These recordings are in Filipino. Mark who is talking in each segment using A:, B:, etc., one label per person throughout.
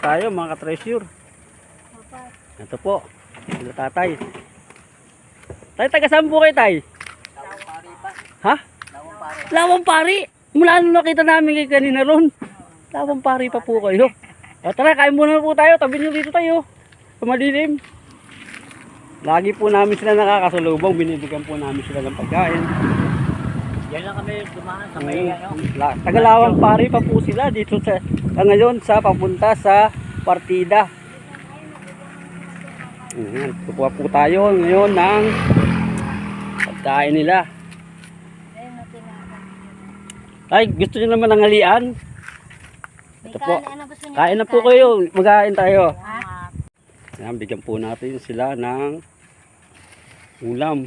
A: tayo mga ka-treasure. Ito po, sila tatay. Tay, taga saan po kayo, tay?
B: Lawang pari pa.
A: Ha?
B: Lawang pari.
A: Lawang pari. Mula nung nakita namin kayo kanina ron. Lawang pari pa po kayo. O tara, kain muna po tayo. Tabi nyo dito tayo. Sa madilim. Lagi po namin sila nakakasalubong. Binibigyan po namin sila ng pagkain.
B: Yan lang kami dumaan sa may ano.
A: Tagalawang pari pa po sila dito sa ngayon sa papunta sa partida. Kukuha po tayo ngayon ng pagkain nila. Ay, gusto niyo naman ng halian? Ito po. Kain na po kayo. Magkain tayo. Ayan, bigyan po natin sila ng ulam.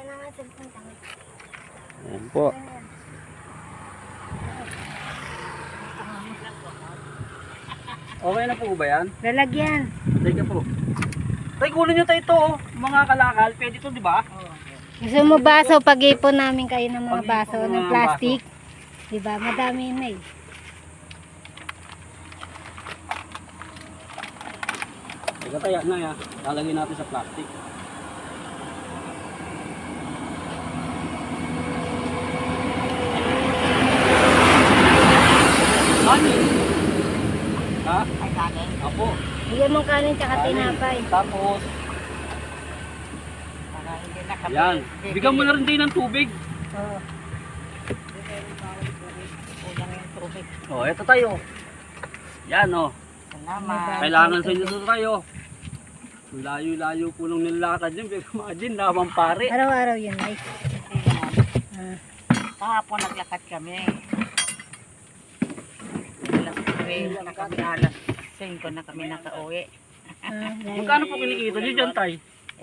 A: Ayan po. Okay na po ba yan?
C: Lalagyan.
A: Teka po. Tay, kunin nyo tayo ito, oh. Mga kalakal. Pwede ito, di ba?
C: Gusto mo baso, pag-ipon namin kayo ng mga baso
A: Pag-ipon
C: ng
A: ng
C: plastic. Diba? Madami na eh.
A: Teka tayo na ya. Lalagyan natin sa plastic. Kanin. Ha?
B: Ay kanin.
A: Apo.
C: Bigyan mong kanin tsaka tinapay.
A: Tapos,
B: Para hindi na kami.
A: yan. Bigyan mo na rin din ng tubig.
C: Oh.
B: Kulang yung tubig.
A: Oh, eto tayo. Yan, oh.
B: Salamat.
A: Kailangan sa inyo ito tayo. Layo-layo po nung nilakad yun. Imagine, lamang pare.
C: Araw-araw yun ay. Ah.
B: Kahapon naglakad kami. Alas 5 na kami nakauwi.
A: Magkano po kinikita nyo dyan, tay?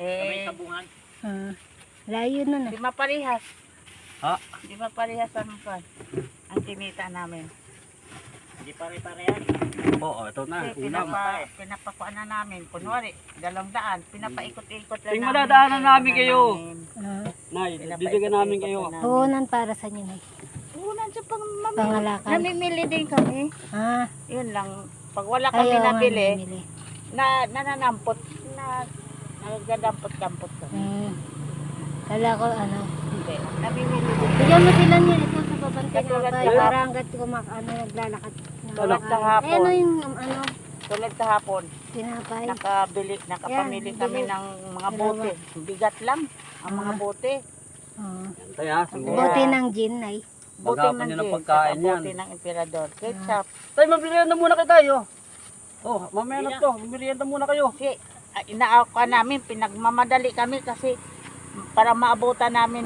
C: Layo nun ah.
B: Di maparihas.
A: Ha?
B: Di maparihas ang kinita namin. Di pare-parehan.
A: Oo, ito na.
B: Kasi
A: Ulam.
B: pinapakuan na namin. Kunwari, 200. Pinapaikot-ikot lang
A: Ting madadaanan namin kayo.
C: Ah.
A: Nay, bibigyan namin kayo.
C: Puhunan para sa inyo na.
B: Unan sa
C: Pangalakal.
B: namimili din kami.
C: Ah.
B: Yun lang. Pag wala kami
C: Ayaw nga
B: nabili,
C: namimili.
B: nananampot. Nagadampot-dampot kami.
C: Kala ko ano.
B: Hindi. Namimili din.
C: Bigyan mo sila niya ito sa babante
B: Katulad
C: na
B: ng-
C: para hanggat naglalakad.
B: Tulad sa hapon.
C: Eh, ano yung ano,
B: Tulad kahapon,
C: tinapay.
B: nakapamili
C: Yan,
B: kami
C: bili.
B: ng mga bote. Bigat lang ang mga bote.
C: Oh.
A: Tay ha, siguro.
C: Bote ng gin ay.
B: Bote
A: Magapan nyo ng
B: gin,
A: pagkain
B: saka
A: yan.
B: bote ng emperador. Ketchup.
A: Tay, mabirienda muna kayo tayo. Oh, mamaya na to. Mabirienda muna kayo.
B: Kasi inaakuan namin, pinagmamadali kami kasi para maabutan namin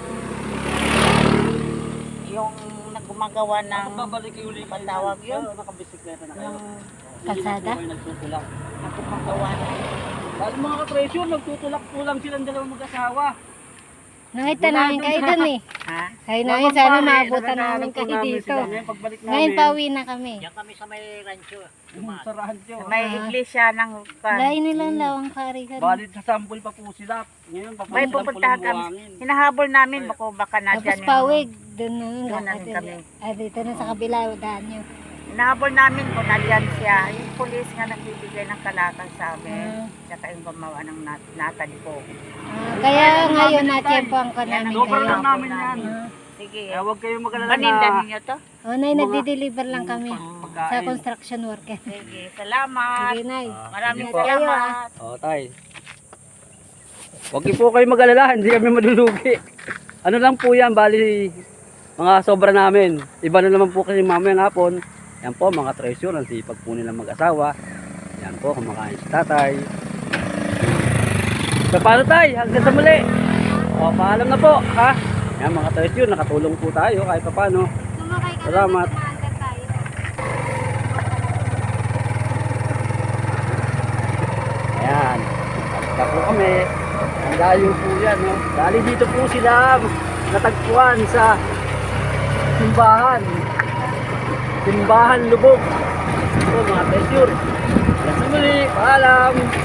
B: yung naggumagawa ng
A: Babalik kayo ulit.
B: patawag yun.
A: Nakabisikleta na kayo.
C: Kalsada?
A: Hindi kayo nagtutulak.
B: Naggumagawa ng
A: Dahil mga ka-treasure, nagtutulak-tulang silang dalawang mag-asawa.
C: Nakita namin kayo dun eh.
B: ha?
C: Kayo namin sana maabutan namin kayo dito.
A: Pagbalik
C: Ngayon
A: namin,
C: pauwi na kami.
B: kami sa may rancho.
A: sa radyo.
B: May iglesia ng
C: Layo nilang lawang kari ka.
A: Balit sa sample pa po sila. Ngayon, papunta
B: may
A: sa
B: pupuntahan
A: Pulang
B: kami.
A: Buhangin.
B: Hinahabol namin baka
C: Tapos
B: nadyan
C: pawig. Doon na
B: Doon na rin kami.
C: dito na sa kabila. Daan nyo.
B: Hinahabol namin kung nadyan siya. Yung pulis nga nagbibigay ng kalakal sa amin. Tsaka yung gumawa ng natalipo.
C: Kaya ngayon na-tiyempoan ka namin
A: Sobrang
C: kayo.
A: lang namin yan.
B: Sige.
A: Kaya huwag kayong mag-alala
B: Paninda
A: na
B: ninyo to?
C: O nay, nagdi-deliver lang kami sa
A: pagkain.
C: construction worker.
B: Sige. Salamat.
C: Sige nay.
B: Maraming
A: Sige po.
B: salamat.
A: O, tay. Huwag niyo po kayo mag-alala. Hindi kami madulugi. Ano lang po yan, bali mga sobra namin. Iba na naman po kasi mamayang hapon. Yan po mga treasure, ang sipag po nilang mag-asawa. Yan po, kumakain si tatay. So paano tay? Hanggang sa muli. O, paalam na po. Ha? Yan mga treasure, nakatulong po tayo kahit pa paano.
C: Sumakay ka
A: Salamat.
C: maandar tayo.
A: Ayan. Basta po kami. Ang layo po yan. No? Dali dito po sila natagpuan sa simbahan. Simbahan Lubog. So mga treasure. Hanggang sa muli. Paalam.